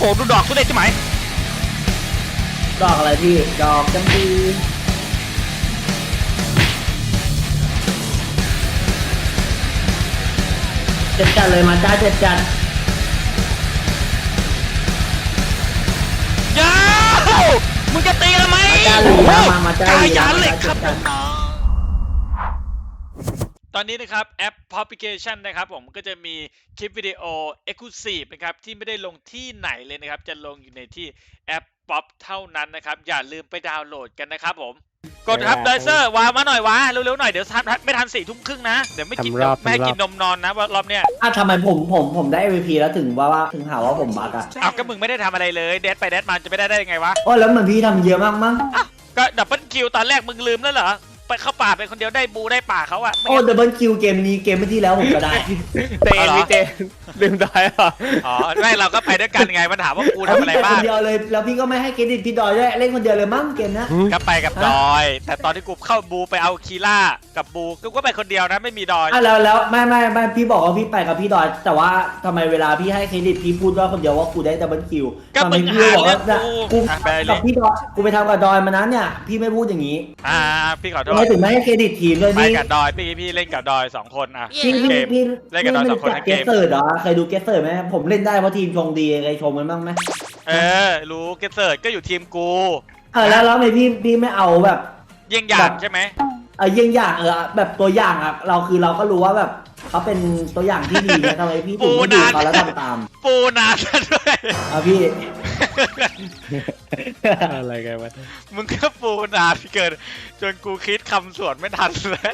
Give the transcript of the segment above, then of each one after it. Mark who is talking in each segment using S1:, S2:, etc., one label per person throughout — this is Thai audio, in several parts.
S1: ดูดอกกูได้ใช่ไหม
S2: ดอกอะไรพี่ดอกจำปีเจ็ดจัดเลยมาจ้าเจ็ดจัด
S1: ยาวมึงจะตีแล้วไหม
S2: มาจ้าหลีนะมาจ้าหลี
S1: ยาเหล็กครับตอนนี้นะครับแอปพลิเคชันนะครับผมก็จะมีคลิปวิดีโอ Exclusive นะครับที่ไม่ได้ลงที่ไหนเลยนะครับจะลงอยู่ในที่แอปป๊อปเท่านั้นนะครับอย่าลืมไปดาวน์โหลดกันนะครับผมกดครับไดเซอร์วามาหน่อยวะเร็วๆหน่อยเดี๋ยวไม่ทัน4 ทุ่มครึ่งนะเดี๋ยวไม่กินนมนอนนะว่ารอบเนี้ย
S2: ทำไมผมได้ MVP แล้วถึงถึงหาว่าผมบักอะ
S1: เอาก็มึงไม่ได้ทำอะไรเลยเดดไปเดดมาจะไม่ได้ยังไงวะ
S2: โอ้แล้วมันพี่ทำเยอะมากมั้ง
S1: ก็ดับเบิลคิวตอนแรกมึงลืมแล้วเหรอไปเข้าป่าเป็นคนเดียวได้บูได้ป่าเขาอะ
S2: โอ้ดับเบิลคิวเกมนี้เกมที่แล้วผมก็ได้
S3: เต้พี่เต้ลืมดอยเหรอ
S1: อ๋อไม่เราก็ไปด้วยกันไงมันถามว่ากูทำอะไรบ้าง
S2: คนเดียวเลยแล้วพี่ก็ไม่ให้เครดิตพี่ดอยด้วยเล่นคนเดียวเลยมั้งเกมนะ
S1: ก็ไปกับดอยแต่ตอนที่กูเข้าบูไปเอาคีล่ากับบูกูก็ไปคนเดียวนะไม่มีดอย
S2: แล้วไม่พี่บอกว่าพี่ไปกับพี่ดอยแต่ว่าทำไมเวลาพี่ให้เครดิตพี่พูดว่าคนเดียวว่ากูได้ดับเบิลคิว
S1: ก็มึงหาเรื่อง
S2: กูกับพี่ดอยกูไปทำกับดอยมานั้นเนี่ยพี่ไม่พูดอย่างนี้
S1: พี่ขอโทษ
S2: ไม่ถึงไม่ให้เครดิตทีมเลย
S1: ไปกับดอยพี่เล่นกับดอย2 คนอ่ะ
S2: พี่
S1: เล่นกับดอย2 คนทั้งเกม
S2: เกสเซอร์เหรอเคยดูเกสเซอร์ไหมผมเล่นได้เพราะทีมชงดีเคยชมมันบ้างไหม
S1: รู้เกสเซอร์ก็อยู่ทีมกู
S2: แล้วไม่พี่ไม่เอาแบบ
S1: เยี่ยงอย่างใช่ไหม
S2: เยี่ยงอย่างแบบตัวอย่างอ่ะเราก็รู้ว่าแบบเขาเป็นตัวอย่างที่ดีนะทำไมพี่ถึงไม่ดูเขาแล้วทำตาม
S1: ปูนาด้วย
S2: พี่
S3: อะไรกันวะ
S1: มึงก็ปูนาพี่เกินจนกูคิดคำสวดไม่ทันเลย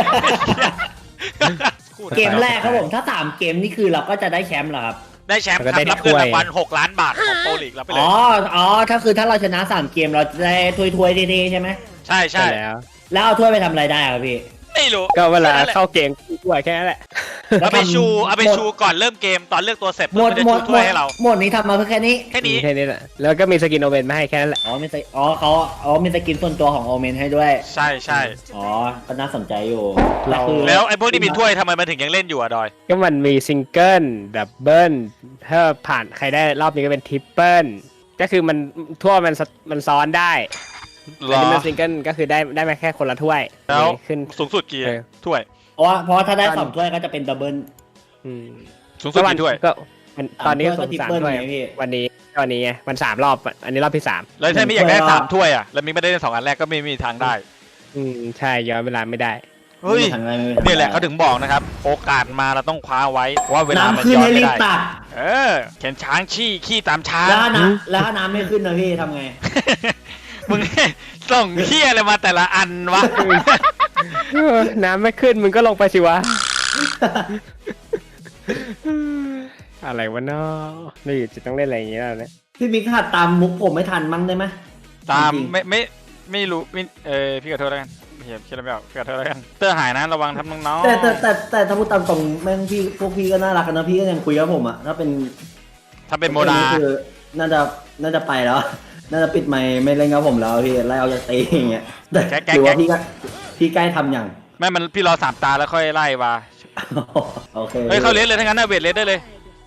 S2: เกมแรกครับผมถ้า3 เกมนี่คือเราก็จะได้แชมป์เหรอครับ
S1: ได้แชมป์รับเงินรางวัล6 ล้านบาทของโปรลีกรับไปเลย
S2: ถ้าเราชนะ3 เกมเราจะได้ถ้วยดีๆใช่ไหม
S1: ใช่
S2: แล้วเอาถ้วยไปทำอะไรได้ครับพี่
S1: ไม่รู้
S3: ก็เวลาเข้าเกมถ้วยแค่นั้นแหละ
S1: เอาไปชูก่อนเริ่มเกมตอนเลือกตัวเสร็จมันจะชูถ้วยให้เรา
S2: หมดนี้ทำมาเพื่อแค่นี้
S3: แหละแล้วก็มีสกินโอเมนมาให้แค่นั้นแหละ
S2: เขามีสกินส่วนตัวของโอเมนให้ด้วย
S1: ใช่
S2: ก็น่าสนใจอยู่
S1: แล้วไอ้พวกที่มีถ้วยทำไมมันถึงยังเล่นอยู่อะดอย
S3: ก็มันมีซิงเกิลดับเบิลถ้าผ่านใครได้รอบนี้ก็เป็นทริปเปิลก็คือมันทั่วมันซ้อนได้อันนี้มันซิงเกิลก็คือได้มาแค่คนละถ้วย
S1: แล้วขึ้นสูงสุดกี่ถ้วย
S2: เพราะถ้าได้2 ถ้วยก็จะเป็นดับเบิล
S1: สูงสุดกี่ถ้วย
S3: ก็ตอนนี้สูง3 ถ้วยวันนี้ไงมัน3 รอบอันนี้รอบที่3
S1: แล้วถ้าไม่อยากได้3 ถ้วยอ่ะแล้วมีไม่ได้2 อันแรกก็ไม่มีทางได้
S3: ใช่ย้อนเวลาไม่ได้
S1: เฮ้ยนี่แหละเขาถึงบอกนะครับโอกาสมาเราต้องคว้าไว้ว่าเวลามันย้อนไม่ได้เข็นช้างขี้ตามช้าง
S2: แล้วน้ำไม่ขึ้นนะพี่ทำไง
S1: มึงส่งเขี้ยอะไรมาแต่ละอันวะ
S3: น้ำไม่ขึ้นมึงก็ลงไปสิวะอะไรวะเนาะนี่จะต้องเล่นอะไรอย่างเงี้ยแล้วเนี่ย
S2: พี่มิกหัดตามมุกผมไม่ทันมั้งได้ไหม
S1: ตามไม่รู้พี่ขอโทษแล้วกันเฮียคิดอะไรไม่ออกพี่ขอโทษแล้วกันเตอร์หายนะระวังทำน้อง
S2: แต่ถ้าพูดตามตรงแม่งพวกพี่ก็น่ารักกันนะพี่ก็ยังคุยกับผมอ่ะถ้าเป็น
S1: โมนา
S2: คือน่าจะไปแล้วน่าจะปิดไม่เล่นกับผมแล้วพี่ไล่เอาจากตีอย่างเงี้ยแต่หรือว่าพี่ใกล้ทำอย่าง
S1: ไม่มันพี่รอ3 ตาแล้วค่อยไล่มา
S2: โอเค
S1: เฮ้ยเขาเลสเลยทั้งนั้นนะเวทเลสได้เลย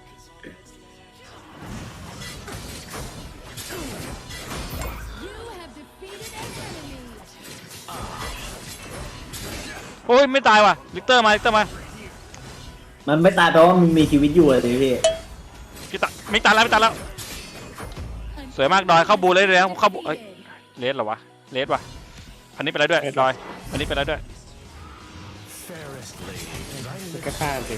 S1: โอ้ยไม่ตายว่ะลิกเตอร์มา
S2: มันไม่ตายแปลว่ามันมีชีวิตอยู่เลยพี่
S1: ไม่ตายแล้วสวยมากดอยเข้าบูเลยแล้วเข้าบูเลสเหรอวะเลสว่ะอันนี้ไปแล้วด้วยดอยอันนี้ไปแล้วด้วย
S3: ก็ฆ่าสิ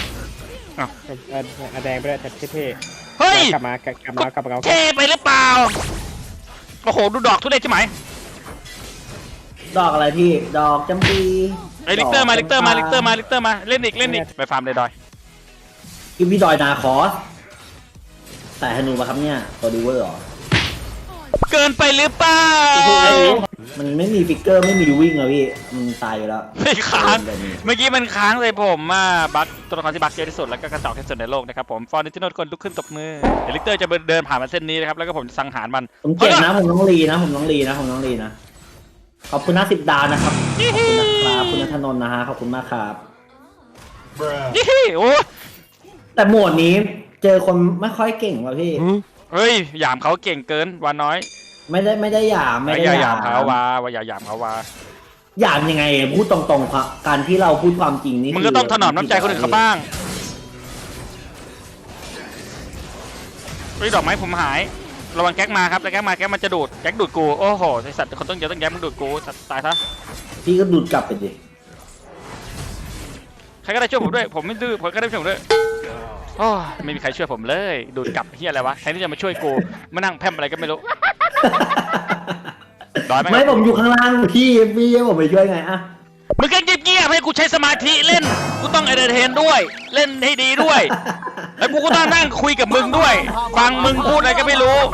S3: แดงไปแล้วเท่
S1: เฮ้ย
S3: กลับมา
S1: เท่ไปหรือเปล่าโอ้โหดูดอกทุเรศใช่ไหม
S2: ดอกอะไรพี่ดอกจำปี
S1: ลิกเตอร์มาเล่นอีกไปฟาร์มเลยดอย
S2: กินพี่ดอยนาคอสแต่ธนูมาครับเนี่ยตัวดีเวอร์หรอ
S1: เกินไปหรือเปล่า
S2: มันไม่มีฟิกเกอร์ไม่มีวิ่งเลยพี่มันตายอยู่แล้ว
S1: ไม่ค้างเมื่อกี้มันค้างเลยผมบัคตัวละครที่บัคเยอะที่สุดแล้วก็กระจอกที่สุดในโลกนะครับผมฟอร์นิติโนคนลุกขึ้นตบมือลิกเตอร์จะเดินผ่านมาเส้นนี้นะครับแล้วก็ผมสังหารมัน
S2: ผมเก่งนะผมต้องรีนะขอบคุณ50 ดาวนะครับขอบคุณนะครับคุณณัฐนนท์นะฮะขอบคุณมากครับ
S1: โอ้
S2: แต่โหมดนี้เจอคนไม่ค่อยเก่งว่ะพี่
S4: เฮ้ยหยามเขาเก่งเกินวาน้อย
S2: ไม่ได้หยามไม่ได้
S4: อย่า
S2: หยาย
S4: หาม มเขาวาอย่าหยามเขาวา
S2: หยามยังไงพูดตรงๆครับการที่เราพูดความจริงนี่
S4: มึงก็ต้องถนอมน้ำใจคนอื่นเขาบ้างเฮ้ยดอกไม้ผมหายระวังแก๊กมาครับแล้วแก๊กมันจะดูดแก๊กดูดกูโอ้โหไอสัตว์คนต้องเยอะต้องแก๊กมึงดูดกูตายซะ
S2: พี่ก็ดูดกลับไปดิ
S4: ใครก็ได้ช่วยผมด้วยผมไม่ดื้อผมก็ได้ช่วยผมด้วยโอ้ไม่มีใครช่วยผมเลยดูดกลับเฮียอะไรวะแทนที่จะมาช่วยกูมานั่งแพร่มอะไรก็ไม่รู้ ร้อยไหม
S2: ไม่ผมอยู่ข้างล่างพี่ให้ผมไปช่วยไงอะ
S4: มึงก็เงียบๆให้กูใช้สมาธิเล่นกูต้องเอนเตอร์เทนด้วยเล่นให้ดีด้วยแล้วกูก็ต้องนั่งคุยกับมึงด้วยฟังมึงพูดอะไรก็ไม่รู้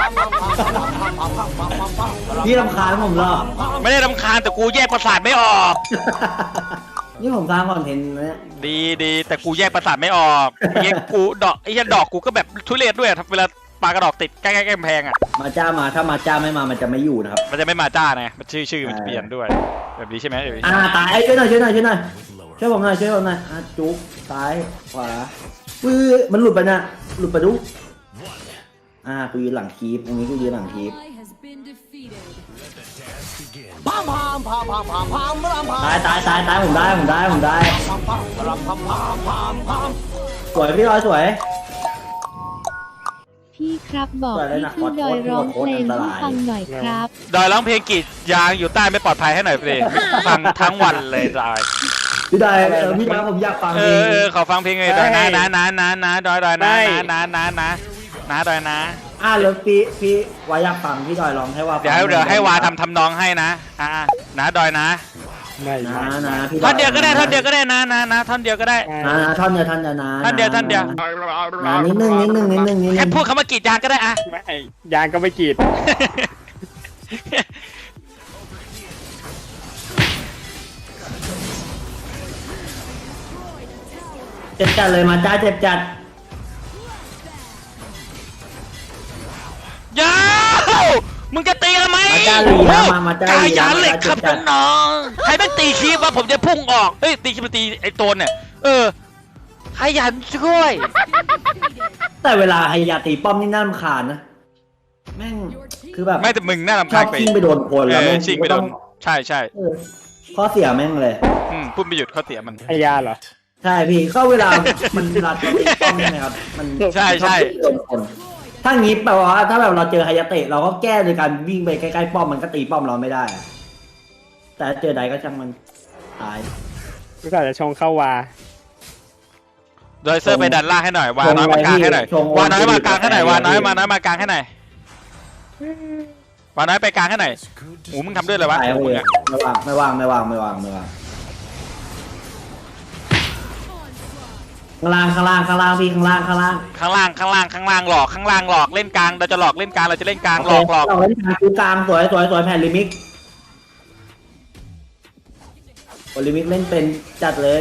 S2: พี่รำคาญผมเหรอ
S4: ไม่ได้รำคาญแต่กูแยกประสาทไม่ออก
S2: นี่ผมสร้างคอนเทนต์นะเนี่ย
S4: ดีแต่กูแยกประสาทไม่ออกเมื่อกี้กูดอกไอ้ยันดอกกูก็แบบทุเรศด้วยเวลาปากระดอกติดใกล้ๆกำแพงอ่ะ
S2: มาจ้ามาถ้ามาจ้าไม่มามันจะไม่อยู่นะครับ
S4: มันจะไม่มาจ้าไงมันชื่อมันจะเปลี่ยนด้วยแบบนี้ใช่ไหมแบบนี้
S2: ตายช่วยหน่อยช่วยผมหน่อยช่วยผมหน่อยจุ๊บซ้ายขวามันหลุดไปนะหลุดไปดูกูยืนหลังคีปตรงนี้กูยืนหลังคีปตายผมได้สวยพี่ร้อยสวย
S5: พี่ครับบอกพี่ชื่อดอยร้องเพลงให้ฟังหน่อยครับ
S4: ดอยร้องเพลงกรีดยางอยู่ใต้ไม่ปลอดภัยให้หน่อยเพลงฟังทั้งวันเลยดอย
S2: พี่ได้พี่ได้ผมอยากฟังเพลง
S4: ขอฟังเพลงเลยดอยนะดอยนะดอยนะ
S2: แล้วพี่วาอยากฟังพี่ดอยร้องให้ว่า
S4: เดี๋ยวให้วาทำนองให้นะนะดอยนะ
S2: นะพี่
S4: ท่อนเดียวก็ได้นะท่อนเดียวก็ได้
S2: ท่อนเดียวนิดนึง
S4: แค่พูดคำว่ากรีดยางก็ได้อะ
S3: ไม่ยางก็ไม่กรีด
S2: เจ็บจัดเลยมาจ้าเจ็บจัด
S4: ยาวมึงจะตีกันไหม
S2: มาจ้าลีนะมาจ้าลี
S4: กายาเหล็กครับน้องๆใครไม่ตีคีบว่าผมจะพุ่งออกเฮ้ยตีคีบตีไอ้โตนเนี่ยขยันช่วย
S2: แต่เวลาไฮยาตีป้อมนี่น่ารำคาญนะแม่งคือแบบ
S4: ไม่แต่มึงน่ารำ
S2: ช
S4: คา
S2: อ
S4: ญ
S2: บ
S4: ไป
S2: ชิงไปโดนคนแล้วแม่ง
S4: ชิงไปโดนใช่
S2: ข้อเสียแม่งเลย
S4: พูดไม่หยุดเขาเสียมัน
S3: ไอยาเหรอ
S2: ใช่พี่ก็เวลามันเวลาตีป้อมใช่ไหมครับมัน
S4: ใช่
S2: โดนคนถ้างี้แปลว่าถ้าแบบเราเจอไฮยาเตะเราก็แก้โดยการวิ่งไปใกล้ๆป้อมมันก็ตีป้อมเราไม่ได้ แต่เจอใดก็ช่างมันตาย
S3: กูกะจะชงเข้าวา
S4: โดยเซอร์ไปดันล่างให้หน่อยวาน้อยมากลางให้หน่อยวาน้อยมากลางให้หน่อยวาน้อยมากลางให้หน่อยวาน้อยไปกลางให้หน่อยโอ้มึงทำด้วยเลยวะ
S2: ตาย
S4: มึ
S2: เล
S4: ง
S2: ย
S4: อะ
S2: ไม่วางข้างล่างพี่ข้างล่าง
S4: ข้างล่างหลอกเล่นกลางเราจะหลอกเล่นกลางเราจะเล่นกลางหลอก
S2: เราเล่นกลางคือกลางสวยแผ่นลิมิกลิมิกเล่นเป็นจัดเลย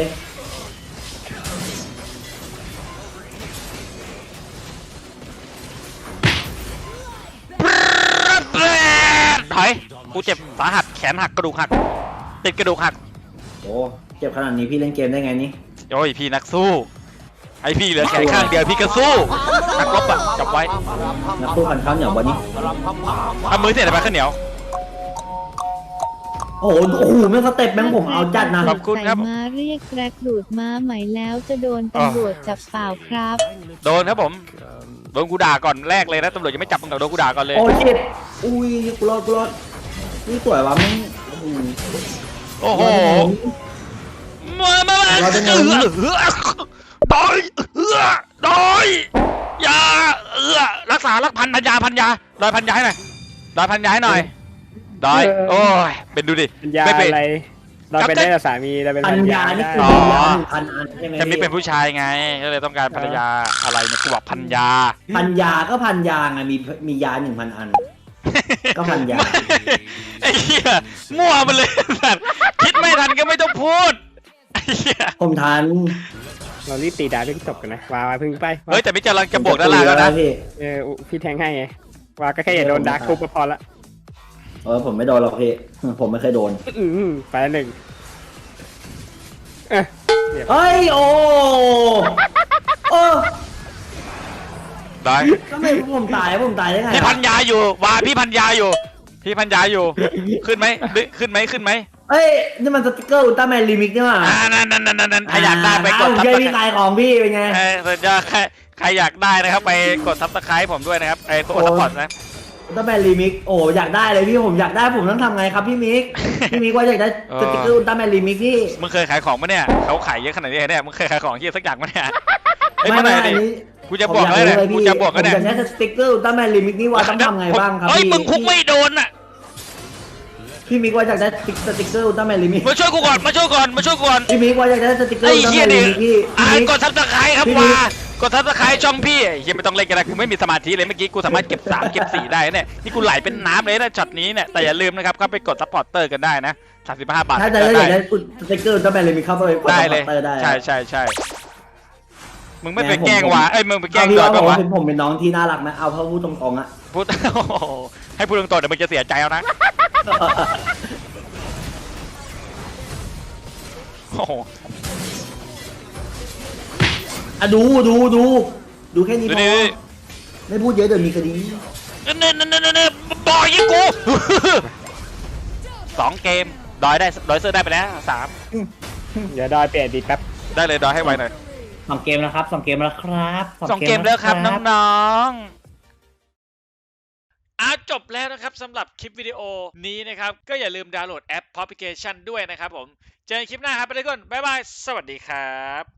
S4: ถอยกูเจ็บสาหัสแขนหักกระดูกหักติดกระดูกหัก
S2: โอ้เจ็บขนาดนี้พี่เล่นเกมได้ไงนี่
S4: โอ้ยพี่นักสู้ไอพี่เหลือแขนข้างเดียวพี่ก็สู้นักรบอะจับไว้
S2: นักสู้พันข้าวเหนียววันนี้
S4: เอามือเสียไปข้าวเหนียว
S2: โอ้โหแม่งสเต็ปแม่งผมเอาจัดนะ
S4: ขอบคุณครับ
S5: ใส่ม้าเรียกแกรกดูดม้าใหม่แล้วจะโดนตำรวจจับเปล่าครับ
S4: โดนครับผมโดนกูด่าก่อนแรกเลยนะตำรวจยังไม่จับมึงหรอกโดนกูด่าก่อนเลย
S2: โอ้ชิดอุ้ยกูรอดนี่สวยวะแม่ง
S4: โอ้โหมาดอยยารักษารักพันยาดอยพันยาให้หน่อยดอยพันยาให้หน่อยดอยโอ้ยเป็นดูดิ
S3: ปัญญา
S4: ไม่เป็น
S3: อะไรเราเป็นได้แต่สามีเราเป็น
S2: พั
S3: ปั
S2: น
S3: ญ
S2: ยา
S3: ญา
S2: นี่
S3: ได้
S2: คือมียา1,000 อันใช่ไหม
S4: แต่นี่เป็นผู้ชายไงก็เลยต้องการภรรยาอะไรเนี่ยกูบอกพันยา
S2: พันยาก็พันยาไงมียา 1,000 อัน ก็พันยา
S4: ไอ้เหี้ยมั่วมาเลยสัตว์คิดไม่ทันก็ไม่ต้องพูดไอ้เหี้ย
S2: ผมทัน
S3: เรารีบตีดาเพิ่งจบกันนะวาพึ่งไป
S4: เฮ้ยแต่ไม่จะลังจะบวกด้านล่างแล้วนะ
S2: พี่
S3: พี่แทงให้ไงวาก็แค่อย่าโดนดาร์กทุบก็พอละ
S2: ผมไม่โดนหรอกพี่ผมไม่เคยโดน
S3: ไปหนึ่ง
S2: เฮ้ยโอ้
S4: ดอย
S2: ก็ไม่ผมตายได้ไง
S4: พี่พันยาอยู่ว่าพี่พันยาอยู่ พี่พันยาอยู่ ขึ้นไหมขึ้นไหม
S2: เอ้ยนี่มันสติ๊กเกอร์อุลตร้าแมนรีมิกนี่หว่า
S4: นั่นถ้าอยากได้ไปกด
S2: ผม
S4: ซับ
S2: ช่วย
S4: ส
S2: พี่
S4: ไคร
S2: ขายของพี่เป็นไง
S4: สุดยอดใครอยากได้นะครับไปกดซับสไครต์ผมด้วยนะครับกดซัพพอร์ตนะ
S2: อุลตร้าแมนรีมิกโอ้อยากได้เลยพี่ผมอยากได้ผมต้องทำไงครับพี่มิก พี่มิกว่าอยากได้สติ๊กเกอร์อุลตร้าแมนรีมิกพี่
S4: มึงเคยขายของปะเนี่ยเขาขายเยอะขนาดนี้เนี่ยมึงเคยขายของเยอะสักอย่างปะเนี่ยเอ้ย
S2: ไม่
S4: เมื่อไหร่
S2: อั
S4: ดิ
S2: นนี้
S4: กูจะบอกแล้วเนี่ยกูจะบอกแล้วเนี่ย
S2: ผมอยากได้สติ๊กเกอร์อุลตร้าแมนรีมิกนี่ว่าต้องทำไงบ้างครับ
S4: เฮ้ย
S2: พี่
S4: มึงคุกไม่โดนอ่ะ
S2: พี่มิกว่าอยากได้สติ๊กเกอร์อุลตร้าแมนรีมิก
S4: มาช่วยกูก่อนมาช่วยก่อน
S2: พี่มิกว่าอยากได้สติ๊กเกอร์
S4: ไอ้
S2: อุลตร้า
S4: เหี้
S2: แม
S4: ย
S2: น
S4: ดิ
S2: รีมิกพี่
S4: กดซับสไครต์ครับ
S2: พี่มิ
S4: ว่าก ดซับสไครต์ช่องพี่เฮียไม่ต้องเล่นกันนะกูไม่มีสมาธิเลยเมื่อกี้กูสามารถเก็บ3เก็บ4ได้เนี่ยนี่กูไหลเป็นน้ำเลยนะช็อตนี้เนี่ยแต่อย่าลืมนะครับเข้าไปกดซัพพอร์ตเตอร์กันได้นะ35 บาท
S2: ถ้าจะได้อยากได้สติ๊กเกอร์อุลตร้าแมนรีมิกเข้าไปกด
S4: ได้
S2: ซัพ
S4: เล
S2: พอย ร์ตเตอร์ได้
S4: ใช่มึงไม่ไปแกล้งว่ะมึงไปแกล้ง
S2: พี่
S4: ดอ
S2: ว่าย
S4: ป่าวะ
S2: ผมเป็นน้องที่น่ารักไหมเอาเขาพูดตรงๆอะ
S4: พูด ให้พูดตรงๆเดี๋ยวมึงจะเสียใจเอานะโอ้โห
S2: อ่ะดูแค่นี้พ
S4: นี่
S2: อไม่พูดเยอะเดี๋ยวมีคดี
S4: นี่บอยยิงกู 2 เกมดอยเซอร์ได้ไปแล้ว3
S3: เดี๋ยวดอยเปลี่ยนดีแป๊บ
S4: ได้เลยดอยให้ไวหน่อย
S2: 2 เกมแล้วครับ2 เกมแล้วครับ
S4: 2 เกมแล้วครับน้องๆ
S1: จบแล้วนะครับสำหรับคลิปวิดีโอนี้นะครับก็อย่าลืมดาวน์โหลดแอปพลิเคชันด้วยนะครับผมเจอกันคลิปหน้าครับไปเลยก่อนบ๊ายบายสวัสดีครับ